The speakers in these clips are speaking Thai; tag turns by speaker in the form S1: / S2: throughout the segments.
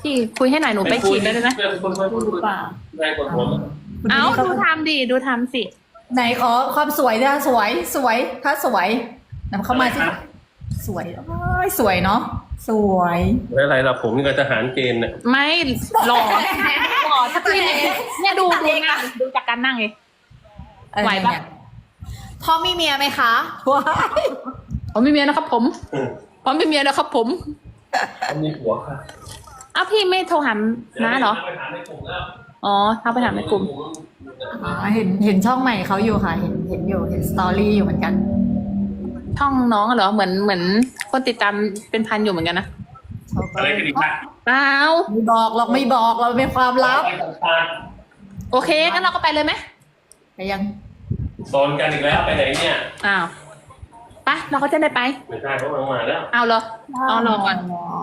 S1: พี่คุยให้หน่อยหนูไปฉีดได้เลยนะ
S2: คน
S3: เปล่า
S2: ได้คนหัวมัน
S1: เอ้าดูทำดิดูทำสิ
S3: ไหนขอความสวยนะสวยถ้าสวยนำเข้ามาสิสวยโอ้ยสวยเนาะสวย
S2: แล้วอะไรล่ะผมนี่ก็ทหารเกณฑ์เนี่ย
S1: ไม่หล่อหล่อถ้าพี่เนี่ยดูนั่งดูจากการนั่งเลย ไหวปะ
S4: พ่อมีเมียไหมคะ
S3: ว้าย
S1: ผมไม่มีเมียนะครับผมผมไม่มีเมียนะครับผม
S2: เขามีผัวค่ะ
S1: อ้าวพี่ไม่โทรหาน้าเหรอ
S2: ไปถามในกลุ่มแล้ว
S1: อ๋อทักไปถามในกลุ่ม
S3: อ๋อเห็นช่องใหม่เขาอยู่ค่ะ เห็นอยู่เห็นสตอรี่อยู่เหมือนกัน
S1: ช่องน้องเหรอเหมือนคนติดตามเป็นพันอยู่เหมือนกันนะ
S3: เขาก็
S2: อะไรกันอีกค่ะ
S1: เปล่า
S3: ไม่บอกเราไม่บอกเราเป็นความลับ
S2: ไปสัมภาษณ์
S1: โอเคงั้นเราก็ไปเลยไหม
S3: ไปยัง
S2: โซนกันอีกแล้วไปไหนเนี่ย
S1: อ้าวไปเราก็จะได้ไป
S2: ไม่ใช่เขามาแล้ว
S1: เอาเหรอเอารอก่อน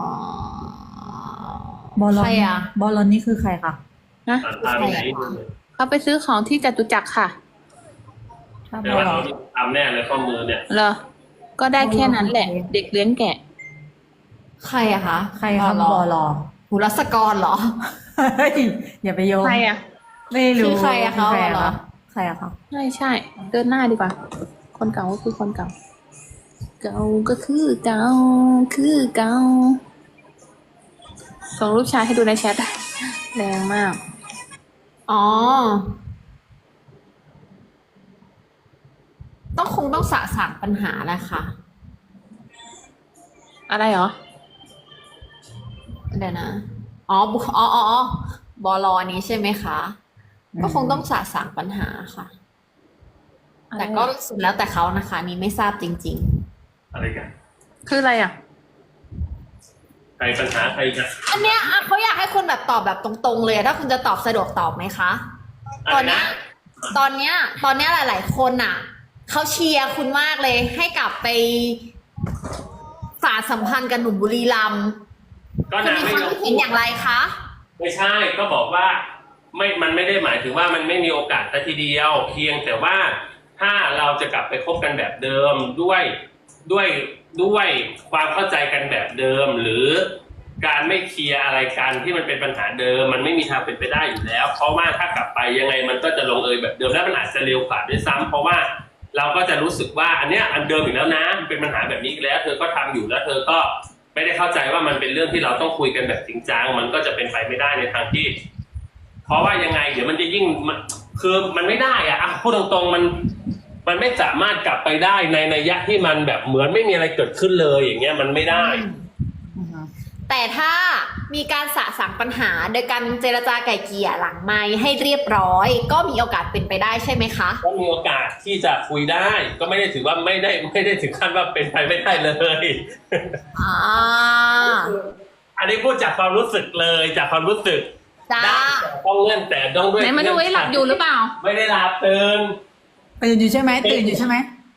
S3: บอลลอน
S4: ใครอะ
S3: บอลลอนนี่คือใครคะ
S1: นะ
S2: อ่านตามไหน
S1: เขาไปซื้อของที่จตุจักรค่ะ
S3: ถ้าบ
S2: เดี๋ย
S3: อ
S2: ว
S3: ลล
S2: เรา
S3: อน
S2: ทำแน่เลยข้อมือเนี่ย
S1: เหรอก็ได้แค่นั้นแหละ เด็กเลี้ยงแกะ
S4: ใครอะคะ
S3: ใครคะบอลลอน
S4: หุรัศกรเหรอ
S3: เฮ้ยอย่าไปโยง
S1: ใครอ่ะ
S3: ไม่รู้
S4: คือใครอะคะ
S3: ใคร
S4: เหรอ
S3: ใครอะคะ
S1: ใช่เดินหน้าดีกว่า คนเก่าก็คือคนเก่า เก่าก็คือเก่าคือเก่าส่งรูปชายให้ดูในแชทแรงมาก
S4: อ๋อ คงต้องสะสางปัญหาแหละค่ะ
S1: อะไรเหรอ
S4: เดี๋ยวนะ บลนี้ใช่ไหมคะ ก็คงต้องสะสางปัญหาค่ะ แต่ก็สุดแล้วแต่เขานะคะ นี่ไม่ทราบจริง
S2: อะไรกัน
S1: คืออะไรอ่ะ
S2: ใครปัญหาใครกัน
S4: ๆ อันเนี้ยอ่ะเขาอยากให้คุณแบบตอบแบบตรงๆเลยอะถ้าคุณจะตอบสะดวกตอบไหมคะ ตอนเนี้ยตอนเนี้ยหลายๆคนอ่ะเขาเชียร์คุณมากเลย ให้กลับไปสานสัมพันธ์กับหนุ่มบุรีรัมย์
S2: ก็
S4: คุณ
S2: นา
S4: มี
S2: ไม่
S4: ความ
S2: ยอม
S4: คิดเห็นอย่างไรคะ
S2: ไม่ใช่ก็บอกว่ามันไม่ได้หมายถึงว่ามันไม่มีโอกาสแต่ทีเดียว เพียงแต่ว่าถ้าเราจะกลับไปคบกันแบบเดิมด้วยความเข้าใจกันแบบเดิม หรือการไม่เคลียร์อะไรกันที่มันเป็นปัญหาเดิม มันไม่มีทางเป็นไปได้อยู่แล้ว เพราะว่าถ้ากลับไปยังไงมันก็จะลงเอยแบบเดิมและมันอาจจะเร็วกว่าด้วยซ้ำเพราะว่าเราก็จะรู้สึกว่าอันเนี้ยอันเดิมอีกแล้วนะมันเป็นปัญหาแบบนี้อีกแล้ว เธอก็ทำอยู่แล้วเธอก็ไม่ได้เข้าใจว่ามันเป็นเรื่องที่เราต้องคุยกันแบบจริงจังมันก็จะเป็นไปไม่ได้ในทางที่ เพราะว่ายังไงเดี๋ยวมันจะยิ่งคือมันไม่ได้อะพูดตรงๆมันไม่สามารถกลับไปได้ในนัยยะที่มันแบบเหมือนไม่มีอะไรเกิดขึ้นเลยอย่างเงี้ยมันไม่ได้
S4: แต่ถ้ามีการสะสางปัญหาโดยการเจรจาไก่เกลี่ยหลังไมค์ให้เรียบร้อย ก็มีโอกาสเป็นไปได้ใช่ไหมคะ
S2: ก็มีโอกาสที่จะคุยได้ ก็ไม่ได้ถือว่าไม่ได้ถึงขั้นว่าเป็นไปไม่ได้เลย
S4: อ่า
S2: อันนี้พูดจากความรู้สึกเลยจากความรู้สึก
S4: จ้า
S2: ได้ต้องเงื่อนแต่ต้องด้วย
S1: ไหนมาดูไอ้หลับอยู่หรือเปล่า
S2: ไม่ได้หลับตื่น
S3: ตื่นอยู่ใช่ไหมตื่นอยู่ใช่ไหม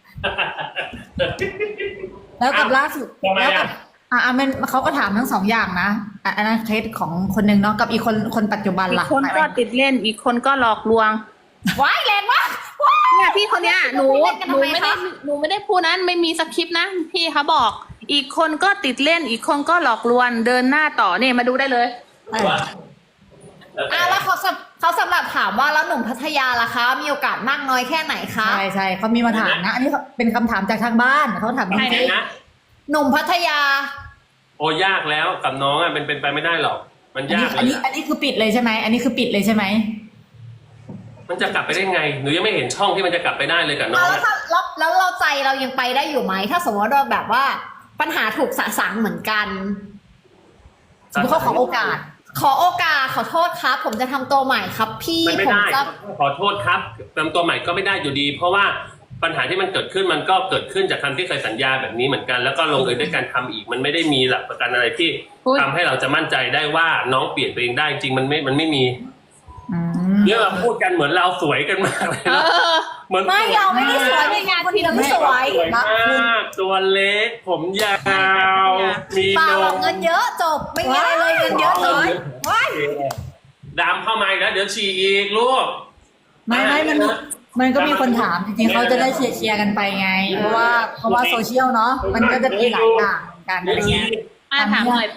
S3: แล้วกับล่าสุด
S2: ทำไม
S3: แล้วกั
S2: อ่ะ
S3: บมันเขาก็ถามทั้งสองอย่างนะอันนั้นเคสของคนหนึ่งเนาะกับอีกคนปัจจุบัน
S1: อีก
S3: ล่ะ
S1: คนก็ติดเล่น อีกคนก็หลอกลวง
S4: ว้ายแรงมาก
S1: เนี่ยพี่คนเนี้ยหนู
S4: เล่นกันทำไมคะ
S1: หนูไม่ได้พูดนั้นไม่มีสคริปต์นะพี่เขาบอก อีกคนก็ติดเล่น อีกคนก็หลอกลวงเดินหน้าต่อเนี่ยมาดูได้เลย
S2: ว่า
S4: แล้วเขาสำหรับถามว่าแล้วหนุ่มพัทยาล่ะคะ มีโอกาสมากน้อยแค่ไหนคะ
S3: ใช่เขามีมาถามนะ อันนี้เป็นคำถามจากทางบ้านเขาถามจ
S2: ใคร
S3: ริง
S2: นะ
S4: หนุ่มพัทยา
S2: โอ้ยากแล้วกับน้องอ่ะเป็นไปไม่ได้หรอกมัน
S3: ๆ
S2: ยาก
S3: อัน
S2: เล
S3: นี้
S2: ย
S3: อันนี้คือปิดเลยใช่ไหมอันนี้คือปิดเลยใช่ไหม
S2: มันจะกลับไปได้ไงหนูยังไม่เห็นช่องที่มันจะกลับไปได้เลยกับน้อง
S4: แล้ว
S2: อะ
S4: ถ้าแล้วเราใจเรายังไปได้อยู่ไหม ถ้าสมมติว่าแบบว่าปัญหาถูกสะสางเหมือนกัน
S3: สมมติเขาขอโอกาส
S4: ขอโอกาสขอโทษครับ ผมจะทำตัวใหม่ครับ พี่
S2: มันไม่
S4: ผม
S2: ได้
S4: จะ
S2: ขอโทษครับเติมตัวใหม่ก็ไม่ได้อยู่ดี เพราะว่าปัญหาที่มันเกิดขึ้นมันก็เกิดขึ้นจากคำที่เคยสัญญาแบบนี้เหมือนกัน แล้วก็ลงเอยด้วยการทำอีก มันไม่ได้มีหลักประกันอะไรที่
S1: อุ๊ย
S2: ทำให้เราจะมั่นใจได้ว่าน้องเปลี่ยนตัวเองได้จริงมันไม่มี
S3: อืม
S2: เนี่ยเราพูดกันเหมือนเราสวยกันมากเลย
S1: เอ
S2: นะ
S1: อ
S2: เหมือน
S4: ไม่เราไม่ได้สวยในงานที่เราไม่สวย
S2: สวยมากตัวเล็ก ผมยาวมี
S4: เปล่าน หรอก
S2: ม
S4: เงินเยอะจบไม่มีอะไรเลยเงินเยอะเลยว้าย
S2: ดามเข้ามาอีกแล้วเดี๋ยวฉี่อีกลูก
S3: ไม่มันก็มีคนถามจริงๆเขาจะได้เชียร์กันไปไง เพราะว่าโซเชียลเนาะมันก็จะมีหลายอย่างกันอะไรเงี้ย
S1: ถามหน่อยป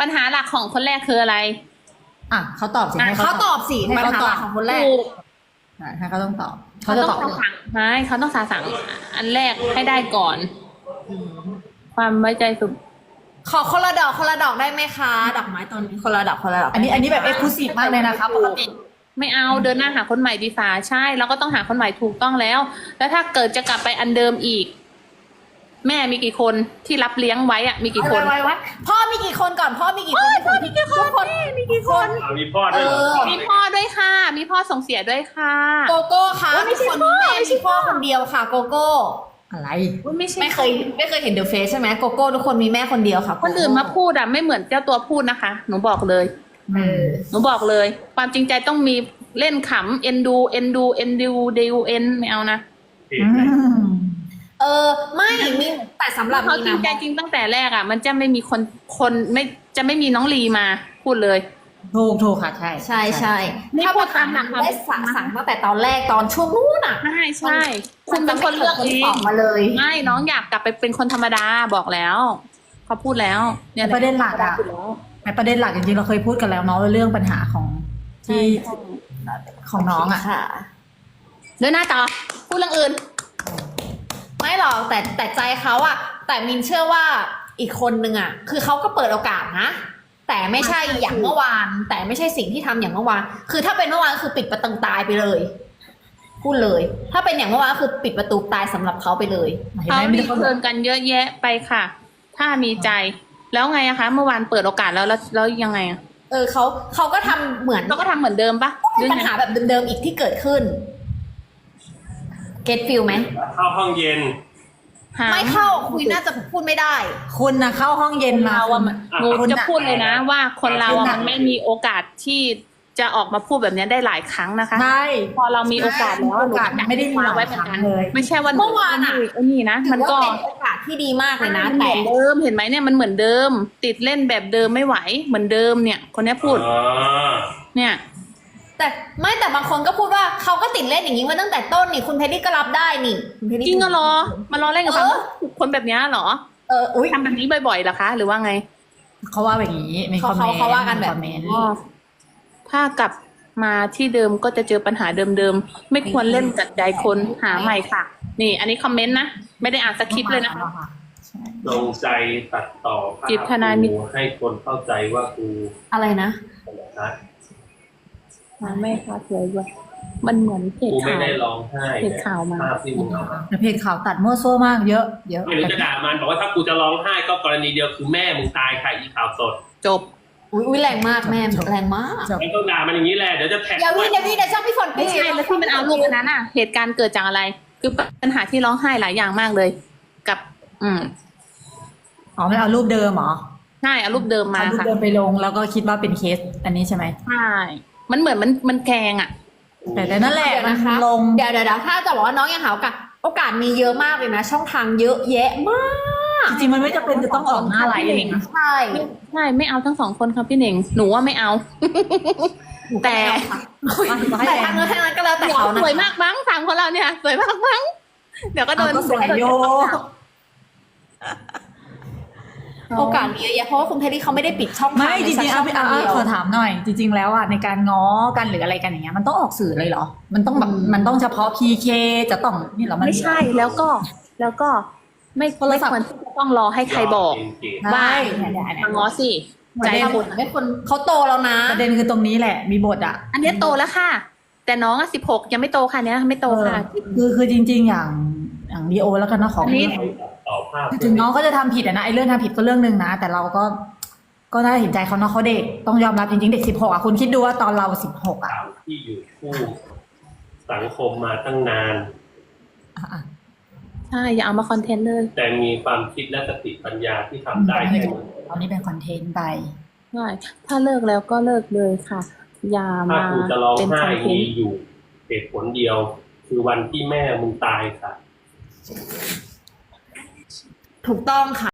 S1: ปัญหาหลักของคนแรกคืออะไร
S3: อ่ะเขาตอบสิให้
S4: เขาตอบสิ
S3: ให้
S4: ปัญ
S3: เขา
S4: หา
S3: ต
S4: ห
S3: อ
S4: ลั
S3: บ
S4: กของคนแรก
S1: ถูก
S3: ให้เขาต้องตอบ
S1: เขา
S3: จะ
S1: ต้
S3: ต
S1: อ
S3: อบ
S1: งสั่งไม่เขาต้องสั่งอันแรกให้ได้ก่อน ความไว้ใจสุด
S4: ขอคนละดอกได้ไหมคะดอกไม้ต้นนี้คนละดอก
S3: อันนี้แบบเอ็กซ์คลูซีฟมากเลยนะคะปกติ
S1: ไม่เอาเดินหน้าหาคนใหม่ดีฝ่าใช่แล้วก็ต้องหาคนใหม่ถูกต้องแล้ว แล้วถ้าเกิดจะกลับไปอันเดิมอีก แม่มีกี่คนที่รับเลี้ยงไว้อะมีกี่คน
S4: ไว้พ่อมีกี่คนก่อนพ่อมีกี่คนพ่อมีกี่คนมีกี่คน
S2: มีพ่อด้วยเหรอ
S1: มีพ่อด้วยค่ะ มีพ่อส่งเสียด้วยค่ะ
S4: โกโก้ค่ะ
S1: ไม่ใช่
S4: คน
S1: พ่อ
S4: แม่
S1: ไม่ใช่
S4: มีพ่อคนเดียวค่ะ โกโก้
S3: อะไร
S1: อุ๊ยไม่ใช่
S4: ไม่เคยเห็นเดอะเฟซใช่ไหมโกโก้ทุกคนมีแม่คนเดียวค่ะ
S1: คนอื่นมาพูดอะไม่เหมือนเจ้าตัวพูดนะคะ หนูบอกเลย หนูบอกเลย ความจริงใจต้องมีเล่นขำเอ็นดูไม่เอานะ
S4: ไม่มีแต่สำหรับ
S1: เขา
S4: มี
S1: จริ
S4: นะ
S1: งใจจริงตั้งแต่แรกอะมันจะไม่มีคนไม่จะไม่มีน้องลีมาพูดเลย
S3: ถูกค่ะใช่
S4: ใช่
S1: นี่
S4: ถ้า
S1: พู
S4: พู
S1: ด
S4: ด
S1: ตา
S4: ตาม ม
S1: หลั
S4: ห
S1: ก
S4: ลังได้สั่งตั้งแต่ตอนแรกตอนช่วงนู้นอ่ะ
S1: ใช่คุณเป็นคนเลือกเอ
S4: ออง กมาเลย
S1: ไม่น้องอยากกลับไปเป็นคนธรรมดาบอกแล้วเขาพูดแล้วเนี่ย
S3: ประเด็นหลักอะในประเด็นหลักจริงๆเราเคยพูดกันแล้วเนาะเรื่องปัญหาของที่ของน้องอะ
S4: ค่ะ
S1: เดินหน้าต่อพูดเรื่องอื่น
S4: ไม่หรอกแต่ใจเขาอะแต่มินเชื่อว่าอีกคนนึงอะคือเขาก็เปิดโอกาสนะ แต่ไม่ใช่อย่างเมื่อวาน แต่ไม่ใช่สิ่งที่ทำอย่างเมื่อวาน คือถ้าเป็นเมื่อวานคือปิดประตูตายไปเลยพูดเลย ถ้าเป็นอย่างเมื่อวานคือปิดประตูตายสำหรับเขาไปเลย
S3: เห็น
S1: เขา
S3: ไหมไม่
S1: รี
S3: ได้เขา
S1: เทิร์นกันเยอะแยะไปค่ะ ถ้ามีใจ แล้วไงอะคะ เมื่อวานเปิดโอกาสแล้วยังไงอะ
S4: เขาก็ทำเหมือน
S1: เราก็ทำเหมือนเดิมปะ
S4: เป็นปัญหาแบบเดิมๆอีกที่เกิดขึ้น get feel ไหม
S2: เข้าห้องเย็น
S4: ไม่เข้าคุยน่าจะพูดไม่ได้
S3: คุณนะเข้าห้องเย็นมา
S1: เราอะหนู
S3: คุณ
S1: จะ
S3: น่ะ
S1: พูดเลยนะ ว่าคนเรา
S3: คุณ
S1: อะ
S3: น่ะ
S1: มันไม่มีโอกาสที่จะออกมาพูดแบบนี้ได้หลายครั้งนะคะ
S3: ใช่
S1: พอเรามีโอกาสแล้ว
S3: โอกาสไม่ได้มีหลาย
S1: ไว้เหมือนกัน
S3: ครั้งเลย
S1: ไม่ใช่ว่า
S4: เมื่อวานอะ
S1: ไอ้นี่นะ
S4: ถื
S1: มัน
S4: อว่า
S1: ก็
S4: เป็นโอกาสที่ดีมากเลยนะ
S1: เห
S4: แต่
S1: มือนเดิมเห็นไหมเนี่ยมันเหมือนเดิม ติดเล่นแบบเดิมไม่ไหวเหมือนเดิมเนี่ย คนนี้พูด
S2: อ๋อ
S1: เนี่ย
S4: แต่บางคนก็พูดว่าเขาก็ติดเล่นอย่างนี้มาตั้งแต่ต้นนี่คุณเพชรรี่ก็รับได้นี่คุณเพชรรี่
S1: จริงก็รอมารอเล่นกับ
S4: เออ
S1: คนแบบนี้เหรอ
S4: อุ้ย
S1: ทำแบบนี้บ่อยๆเหรอคะ หรือว่าไง
S3: เขาว่าแบบนี้มีคอมเมนต์
S4: เขาว่ากันแบบ
S3: คอมเมนต์
S1: อ๋อถ้ากลับมาที่เดิมก็จะเจอปัญหาเดิมๆไม่ควรเล่นกัดใจคนหาใหม่ค่ะ นี่ อันนี้คอมเมนต์นะไม่ได้อ่านสคริปต์เลยนะคะ
S2: ลงใจตัดต่อภาพ
S1: จิตทนายมิตร
S2: กูให้คนเข้าใจว่ากู
S4: อะไรนะ
S2: นะ
S1: ไม่ค่ะสวยด้วยมันเหมือนเพจ
S2: กูไม่
S1: ข่าว
S2: ได้ร้องไห้
S1: เพจข่าวมา
S2: ภาพที่มึงเอามา
S3: แต่เพจข่าวตัดมั่วซั่วมากเยอะเยอะ
S2: ไม่รู้จะด่ามันบอกว่าถ้ากูจะร้องไห้ก็กรณีเดียวคือแม่มึงตายค่ะอีข่าวสด
S1: จบ
S4: อุ้ยแรงมากแม่แรงมาก
S3: จบ
S2: แล้วก็ด่ามันอย่างนี้แหละเดี๋ยวจะแท็ก
S4: เดี๋ยวพี่เดี๋ยวช่างพี่ฝน
S1: ไม่ใช่แล้วที่มันเอารูปอันนั้นอ่ะ เหตุการณ์เกิดจากอะไร คือปัญหาที่ร้องไห้หลายอย่างมากเลย กับ
S3: อ๋อไม่เอารูปเดิมเหรอ
S1: ใช่เอารูปเดิมมา
S3: เอารูป
S1: ค่ะ
S3: เดิมไปลงแล้วก็คิดว่าเป็นเคสอันนี้ใช่ไหม
S1: ใช่มันเหมือนมันแกงอ่ะ
S3: แต่นั่นแหละ
S4: เดี๋ยว
S3: มัน
S4: นะคะ
S3: ลง
S4: เดี๋ยวถ้าจะบอกว่าน้องยังหาโอกาสมีเยอะมากเลยนะ ช่องทางเยอะแยะมาก
S3: จริงๆมันไม่จำเป็นจะต้องออกหน้าไลฟ์เองนะ
S4: ใช่
S1: ใช่ไม่เอาทั้งสองคนครับพี่เหน่งหนูว่าไม่เอา แต่
S4: แต่ทางนู้นทางนั้นก็แล้วแต่เขา
S1: ส
S4: นะ
S1: วยมากมั้งสามคนเราเนี่ยสวยมากมั้งเดี๋ยวก็โดน
S3: เอาก็สวยโย
S4: โอกาสมีเยอะแยะเพราะว่าคุณเพชรรี่เขาไม่ได้ปิดช่องทาง
S3: ไม่จริงๆ
S4: ใน
S3: เอา
S4: ช่องทางเดียว
S3: ขอถามหน่อย จริง ๆ แล้วอ่ะในการง้อกันหรืออะไรกันอย่างเงี้ยมันต้องออกสื่อเลยเหรอ มันต้องแบบมันต้องเฉพาะ PK จะต้องนี่เหรอมัน
S1: ไม่ใช่แล้วก็ไม่
S3: โทรศัพท์
S1: ควรที่จะต้องรอให้ใครบอก ว่า
S3: เนี่ย
S1: มาง้อสิใจ
S4: ใจ
S1: คุ
S4: คุณ ณไม่คนเขาโตแล้วนะ
S3: ประเด็นคือตรงนี้แหละมีบทอ่ะ
S1: อันเนี้ยโตแล้วค่ะ แต่น้องอ่ะ16ยังไม่โตค่ะเนี้ยไม่โตค่ะ
S3: คือจริง ๆ อย่างดีโอแล้วกันเนาะของ
S1: อันนี้
S2: ต่อภาพ
S3: ถึงน้องเขาจะทำผิดอะนะไอ้เรื่องทำผิดก็เรื่องหนึ่งนะ แต่เราก็น่าเห็นใจเขาเนาะเขาเด็กต้องยอมรับจริงๆเด็ก16อ่ะคุณคิดดูว่าตอนเรา16อ่ะ
S2: สาวที่อยู่คู่สังคมมาตั้งนาน
S3: อ่ะ
S1: ใช่อย่าเอามาคอนเทนต์เลย
S2: แต่มีความคิดและสติปัญญาที่ทำได้แค่นี้
S3: ตอนนี้เป็นคอนเทนต์ไป
S1: ใช่ถ้าเลิกแล้วก็เลิกเลยค่ะ อย่า
S2: ถ้า
S1: มา
S2: กูจะร้อง
S1: เป็น
S2: ไห้
S1: คอนเทน
S2: มี
S1: ต์
S2: อยู่เหตุผลเดียว คือวันที่แม่มึงตายค่ะ
S4: ถูกต้องค่ะ